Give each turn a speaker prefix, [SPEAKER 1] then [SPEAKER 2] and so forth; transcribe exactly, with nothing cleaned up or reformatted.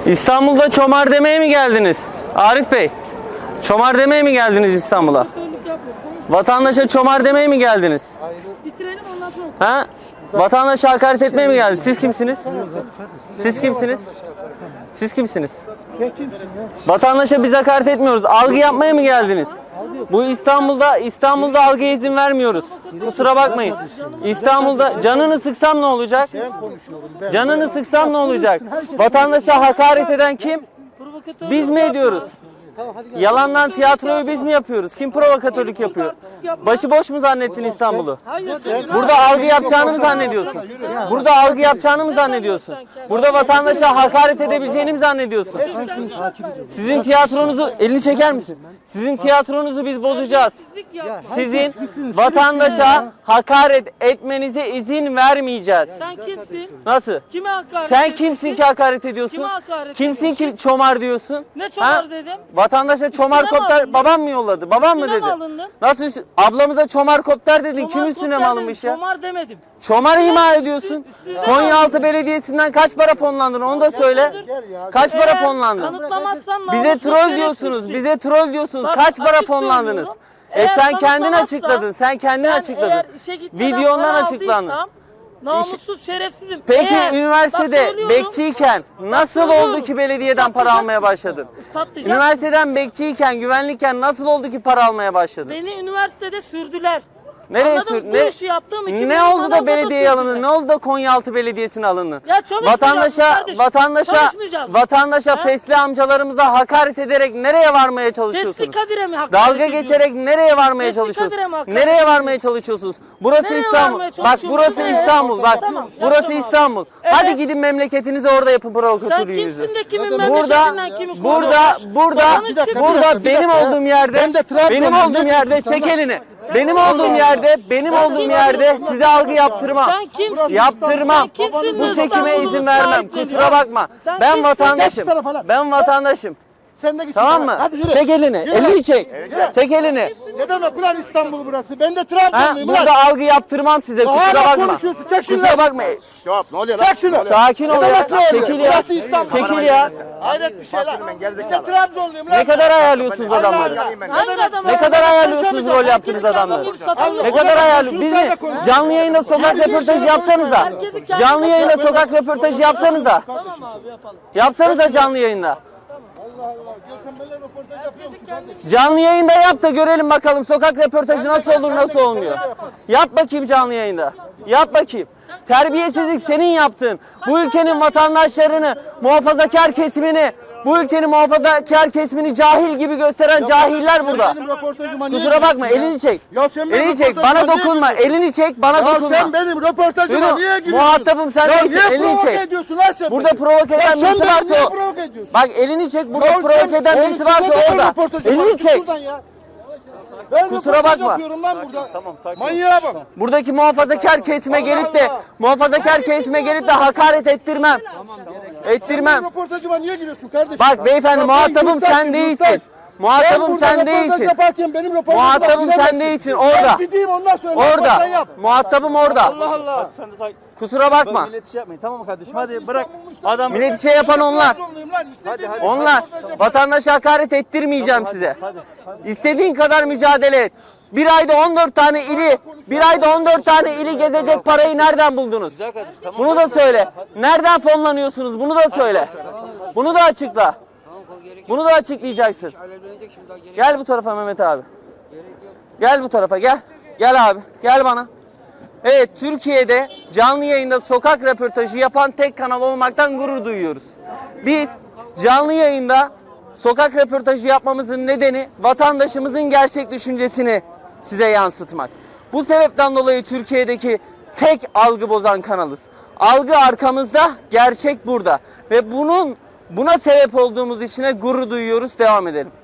[SPEAKER 1] İstanbul'da çomar demeye mi geldiniz? Arif Bey, çomar demeye mi geldiniz İstanbul'a? Vatandaşa çomar demeye mi geldiniz?
[SPEAKER 2] Bitirelim ondan sonra.
[SPEAKER 1] Ha? Vatandaşa hakaret etmeye mi geldiniz? Siz kimsiniz? Siz kimsiniz? Siz kimsiniz?
[SPEAKER 3] Sen kimsin ya?
[SPEAKER 1] Vatandaşa biz hakaret etmiyoruz. Algı yapmaya mı geldiniz? Bu İstanbul'da İstanbul'da algıya izin vermiyoruz. Kusura bakmayın. İstanbul'da canını sıksam ne olacak?
[SPEAKER 3] Ben konuşuyorum. Ben.
[SPEAKER 1] Canını sıksam ne olacak? Vatandaşa hakaret eden kim?
[SPEAKER 2] Provokatörlük
[SPEAKER 1] Biz mi ediyoruz? Yalandan tiyatroyu biz mi yapıyoruz? Kim provokatörlük yapıyor? Başıboş mu zannettin İstanbul'u?
[SPEAKER 2] Hayır.
[SPEAKER 1] Burada algı yapacağını mı zannediyorsun? Burada algı yapacağını mı zannediyorsun? Burada vatandaşa hakaret edebileceğini mi zannediyorsun? Sizin tiyatronuzu, elini çeker misin? Sizin tiyatronuzu biz bozacağız. Sizin vatandaşa hakaret etmenize izin vermeyeceğiz.
[SPEAKER 2] Sen kimsin?
[SPEAKER 1] Nasıl?
[SPEAKER 2] Kime hakaret
[SPEAKER 1] Sen
[SPEAKER 2] ediyorsun?
[SPEAKER 1] kimsin ki hakaret ediyorsun?
[SPEAKER 2] Kime hakaret
[SPEAKER 1] Kimsin ki çomar diyorsun?
[SPEAKER 2] Ne çomar
[SPEAKER 1] Ha?
[SPEAKER 2] dedim?
[SPEAKER 1] Vatandaşa çomar
[SPEAKER 2] Üstüne mi
[SPEAKER 1] kopter
[SPEAKER 2] alındın?
[SPEAKER 1] babam mı yolladı? Babam mı
[SPEAKER 2] Üstüne
[SPEAKER 1] dedi?
[SPEAKER 2] mi alındın?
[SPEAKER 1] Nasıl üstü- ablamıza çomar kopter dedin? Kim
[SPEAKER 2] Çomar
[SPEAKER 1] üstüne mi
[SPEAKER 2] kopter
[SPEAKER 1] alınmış
[SPEAKER 2] dedim,
[SPEAKER 1] ya?
[SPEAKER 2] Çomar demedim.
[SPEAKER 1] Çomar ima ediyorsun.
[SPEAKER 2] üstüne
[SPEAKER 1] Konyaaltı Belediyesi'nden kaç para fonlandın onu da söyle. Kaç para
[SPEAKER 2] Eğer
[SPEAKER 1] fonlandın?
[SPEAKER 2] kanıtlamazsan
[SPEAKER 1] Bize
[SPEAKER 2] namussuz
[SPEAKER 1] troll
[SPEAKER 2] şerefsizsin.
[SPEAKER 1] diyorsunuz. Bize troll diyorsunuz.
[SPEAKER 2] Bak,
[SPEAKER 1] Kaç para
[SPEAKER 2] açık
[SPEAKER 1] fonlandınız?
[SPEAKER 2] söylüyorum.
[SPEAKER 1] E
[SPEAKER 2] Eğer
[SPEAKER 1] sen kendin
[SPEAKER 2] kanıtlamazsa,
[SPEAKER 1] açıkladın. Sen kendin
[SPEAKER 2] ben
[SPEAKER 1] açıkladın.
[SPEAKER 2] eğer işe gitmeden
[SPEAKER 1] Videondan
[SPEAKER 2] para
[SPEAKER 1] açıklandın.
[SPEAKER 2] aldıysam, namussuz şerefsizim.
[SPEAKER 1] Peki
[SPEAKER 2] Eğer- bak
[SPEAKER 1] üniversitede
[SPEAKER 2] söylüyorum,
[SPEAKER 1] bekçiyken nasıl
[SPEAKER 2] söylüyorum.
[SPEAKER 1] oldu ki belediyeden para
[SPEAKER 2] Patlayacak.
[SPEAKER 1] almaya başladın?
[SPEAKER 2] Patlayacak.
[SPEAKER 1] Üniversiteden bekçiyken, güvenlikken nasıl oldu ki para almaya başladın?
[SPEAKER 2] Beni üniversitede sürdüler.
[SPEAKER 1] Nereye
[SPEAKER 2] Anladın
[SPEAKER 1] sür?
[SPEAKER 2] mı? Bu
[SPEAKER 1] Ne,
[SPEAKER 2] işi yaptığım için
[SPEAKER 1] ne
[SPEAKER 2] beni
[SPEAKER 1] oldu da
[SPEAKER 2] manavgata
[SPEAKER 1] belediyeye alındın?
[SPEAKER 2] sürdüler.
[SPEAKER 1] Ne oldu da Konyaaltı Belediyesi'ne alındın?
[SPEAKER 2] Ya çalışmayacağız
[SPEAKER 1] Vatandaşa,
[SPEAKER 2] kardeşim.
[SPEAKER 1] vatandaşa,
[SPEAKER 2] Çalışmayacağız.
[SPEAKER 1] vatandaşa
[SPEAKER 2] Ha?
[SPEAKER 1] fesli amcalarımıza hakaret ederek nereye varmaya çalışıyorsunuz?
[SPEAKER 2] Fesli Kadir'e mi hakaret
[SPEAKER 1] Dalga
[SPEAKER 2] ediyorsun?
[SPEAKER 1] geçerek nereye varmaya
[SPEAKER 2] Fesli
[SPEAKER 1] çalışıyorsunuz?
[SPEAKER 2] Kadir'e mi hakaret
[SPEAKER 1] Nereye
[SPEAKER 2] ediyorsun?
[SPEAKER 1] varmaya çalışıyorsunuz? Burası
[SPEAKER 2] Nereye
[SPEAKER 1] İstanbul.
[SPEAKER 2] varmaya
[SPEAKER 1] Bak
[SPEAKER 2] çalışıyorsun?
[SPEAKER 1] burası
[SPEAKER 2] Nereye?
[SPEAKER 1] İstanbul. Bak
[SPEAKER 2] Tamam,
[SPEAKER 1] burası
[SPEAKER 2] yapacağım abi.
[SPEAKER 1] İstanbul.
[SPEAKER 2] Evet.
[SPEAKER 1] Hadi gidin memleketinize orada yapın
[SPEAKER 2] Sen
[SPEAKER 1] provokatörlüğünüzü.
[SPEAKER 2] kimsin de kimin
[SPEAKER 1] Burada,
[SPEAKER 2] memleketinden kimi
[SPEAKER 1] burada,
[SPEAKER 2] koruyorsun?
[SPEAKER 1] burada,
[SPEAKER 2] Babanın
[SPEAKER 3] Bir dakika,
[SPEAKER 2] için-
[SPEAKER 3] bir
[SPEAKER 1] burada
[SPEAKER 3] dakika, bir
[SPEAKER 1] benim
[SPEAKER 3] dakika ya.
[SPEAKER 1] olduğum yerde,
[SPEAKER 3] Ben de Trabzon'um,
[SPEAKER 1] benim
[SPEAKER 3] ne
[SPEAKER 1] olduğum yerde
[SPEAKER 3] diyorsun
[SPEAKER 1] çek
[SPEAKER 3] sen lan?
[SPEAKER 1] elini. Benim olduğum yerde, benim olduğum yerde size algı yaptırmam.
[SPEAKER 2] Sen kimsin?
[SPEAKER 1] Yaptırmam.
[SPEAKER 2] Sen kimsin de
[SPEAKER 1] Bu çekime
[SPEAKER 2] İstanbul'u
[SPEAKER 1] izin vermem.
[SPEAKER 2] sahipleniyorsun?
[SPEAKER 1] Kusura bakma.
[SPEAKER 2] Sen
[SPEAKER 1] Ben
[SPEAKER 2] kimsin?
[SPEAKER 1] vatandaşım.
[SPEAKER 3] Geç şu tarafa lan.
[SPEAKER 1] Ben vatandaşım.
[SPEAKER 3] Sen de git.
[SPEAKER 1] Tamam
[SPEAKER 3] şuraya.
[SPEAKER 1] mı?
[SPEAKER 3] Hadi yürü.
[SPEAKER 1] Çek elini.
[SPEAKER 3] Yürü.
[SPEAKER 1] Elini çek.
[SPEAKER 3] Yürü.
[SPEAKER 1] Çek elini.
[SPEAKER 3] Ne demek ulan İstanbul burası? Ben de
[SPEAKER 1] Ha,
[SPEAKER 3] Trabzonluyum ulan.
[SPEAKER 1] burada algı yaptırmam size. Kusura
[SPEAKER 3] Hala
[SPEAKER 1] bakma.
[SPEAKER 3] konuşuyorsun. Çek şunu.
[SPEAKER 1] Kusura bakma.
[SPEAKER 4] Stop. Ne oluyor lan?
[SPEAKER 3] Çek şunu.
[SPEAKER 1] Sakin ol
[SPEAKER 3] Ne
[SPEAKER 1] ya.
[SPEAKER 3] demek ne oluyor?
[SPEAKER 1] Çekil ya.
[SPEAKER 3] Burası İstanbul.
[SPEAKER 1] Çekil ya.
[SPEAKER 3] Hayret bir şey lan.
[SPEAKER 4] Ben
[SPEAKER 3] Ben de
[SPEAKER 4] gerizekalı.
[SPEAKER 3] Trabzonluyum lan.
[SPEAKER 1] Ne kadar ayarlıyorsunuz
[SPEAKER 3] Allah
[SPEAKER 1] adamları?
[SPEAKER 3] Allah.
[SPEAKER 4] Ben-
[SPEAKER 3] Ne
[SPEAKER 2] Hangi
[SPEAKER 3] demek?
[SPEAKER 2] adam
[SPEAKER 1] Ne
[SPEAKER 2] ya?
[SPEAKER 1] kadar ayarlıyorsunuz
[SPEAKER 3] Konuşamayacağım.
[SPEAKER 1] rol yaptığınız adamları?
[SPEAKER 3] Allah,
[SPEAKER 1] Ne
[SPEAKER 3] o
[SPEAKER 1] kadar
[SPEAKER 3] zaman
[SPEAKER 1] ayarlıyor?
[SPEAKER 3] şunu
[SPEAKER 1] Biz
[SPEAKER 3] sen
[SPEAKER 1] mi?
[SPEAKER 3] de konuş.
[SPEAKER 1] Canlı yayında sokak
[SPEAKER 3] Herkes
[SPEAKER 1] röportajı
[SPEAKER 3] şey
[SPEAKER 1] yapsanıza.
[SPEAKER 2] Herkesi kendi-
[SPEAKER 1] Canlı yayında sokak röportajı yapsanıza.
[SPEAKER 2] Tamam abi yapalım.
[SPEAKER 1] Yapsanıza canlı yayında.
[SPEAKER 3] Allah Allah. Ya sen böyle röportaj yapıyor musun kardeşim?
[SPEAKER 1] Canlı yayında yap da görelim bakalım sokak röportajı nasıl olur nasıl olmuyor. Yap bakayım canlı yayında. Yap bakayım. Terbiyesizlik senin yaptığın. Bu ülkenin vatandaşlarını, muhafazakar kesimini, bu ülkenin muhafazakar kesimini cahil gibi gösteren cahiller burada.
[SPEAKER 3] Benim röportajıma niye
[SPEAKER 1] Kusura bakma,
[SPEAKER 3] giriyorsun ya?
[SPEAKER 1] elini çek.
[SPEAKER 3] Ya sen benim
[SPEAKER 1] Elini çek,
[SPEAKER 3] röportajıma
[SPEAKER 1] bana
[SPEAKER 3] niye
[SPEAKER 1] dokunma.
[SPEAKER 3] giriyorsun?
[SPEAKER 1] Elini çek, bana
[SPEAKER 3] Ya
[SPEAKER 1] dokunma.
[SPEAKER 3] sen benim röportajıma
[SPEAKER 1] Yürü,
[SPEAKER 3] niye giriyorsun?
[SPEAKER 1] muhatabım sen
[SPEAKER 3] Ya
[SPEAKER 1] değilsin,
[SPEAKER 3] niye
[SPEAKER 1] elini
[SPEAKER 3] provoke
[SPEAKER 1] çek.
[SPEAKER 3] ediyorsun lan sen
[SPEAKER 1] Burada
[SPEAKER 3] beni?
[SPEAKER 1] provoke
[SPEAKER 3] Ya
[SPEAKER 1] eden
[SPEAKER 3] sen
[SPEAKER 1] birisi
[SPEAKER 3] beni
[SPEAKER 1] varsa
[SPEAKER 3] niye
[SPEAKER 1] o.
[SPEAKER 3] provoke ediyorsun?
[SPEAKER 1] Bak elini çek, burada
[SPEAKER 3] Ya
[SPEAKER 1] provoke
[SPEAKER 3] sen-
[SPEAKER 1] eden
[SPEAKER 3] oğlum
[SPEAKER 1] birisi
[SPEAKER 3] sen
[SPEAKER 1] varsa
[SPEAKER 3] neden
[SPEAKER 1] orada.
[SPEAKER 3] röportajı var?
[SPEAKER 1] Elini
[SPEAKER 3] Git
[SPEAKER 1] çek.
[SPEAKER 3] şuradan ya. Ben
[SPEAKER 1] Kusura
[SPEAKER 3] röportaj
[SPEAKER 1] bakma.
[SPEAKER 3] yapıyorum lan burada. Manyağa bak.
[SPEAKER 1] Buradaki muhafazakar kesime
[SPEAKER 3] Allah
[SPEAKER 1] gelip de
[SPEAKER 3] Allah.
[SPEAKER 1] muhafazakar kesime gelip de hakaret ettirmem. Ettirmem.
[SPEAKER 3] Benim röportajıma niye giriyorsun kardeşim?
[SPEAKER 1] Bak beyefendi,
[SPEAKER 3] Ya ben
[SPEAKER 1] muhatabım
[SPEAKER 3] yurttaşım,
[SPEAKER 1] sen değilsin.
[SPEAKER 3] yurttaş.
[SPEAKER 1] Muhatabım
[SPEAKER 3] Ben burada
[SPEAKER 1] sen
[SPEAKER 3] röportaj
[SPEAKER 1] değilsin.
[SPEAKER 3] yaparken benim röportajıma
[SPEAKER 1] Muhatabım sen
[SPEAKER 3] giremezsin.
[SPEAKER 1] değilsin, orada.
[SPEAKER 3] Ben gideyim ondan sonra
[SPEAKER 1] Orada.
[SPEAKER 3] röportaj yap.
[SPEAKER 1] Muhatabım orada.
[SPEAKER 3] Allah Allah.
[SPEAKER 5] Sen de sakin.
[SPEAKER 1] Kusura bakma.
[SPEAKER 5] Millet şey yapmayın, tamam mı kardeşim? Hadi bırak. Adam
[SPEAKER 1] Millet şey yapan onlar.
[SPEAKER 3] Trabzonluyum lan, istediğim
[SPEAKER 5] hadi.
[SPEAKER 3] gibi
[SPEAKER 1] Onlar.
[SPEAKER 3] röportaj yaparım.
[SPEAKER 1] Vatandaşa hakaret ettirmeyeceğim size.
[SPEAKER 5] hadi, hadi.
[SPEAKER 1] İstediğin kadar mücadele et. Bir ayda on dört tane ili, bir ayda on dört tane ili gezecek parayı nereden buldunuz?
[SPEAKER 5] Güzel kardeşim. Tamam.
[SPEAKER 1] Bunu da söyle. Nereden fonlanıyorsunuz? Bunu da söyle. Bunu da açıkla. Bunu da açıklayacaksın. Gel bu tarafa Mehmet abi. Gel bu tarafa gel. Gel abi. Gel bana. Evet, Türkiye'de canlı yayında sokak röportajı yapan tek kanal olmaktan gurur duyuyoruz. Biz canlı yayında sokak röportajı yapmamızın nedeni vatandaşımızın gerçek düşüncesini size yansıtmak. Bu sebepten dolayı Türkiye'deki tek algı bozan kanalız. Algı arkamızda, gerçek burada. Ve bunun buna sebep olduğumuz için de gurur duyuyoruz. Devam edelim.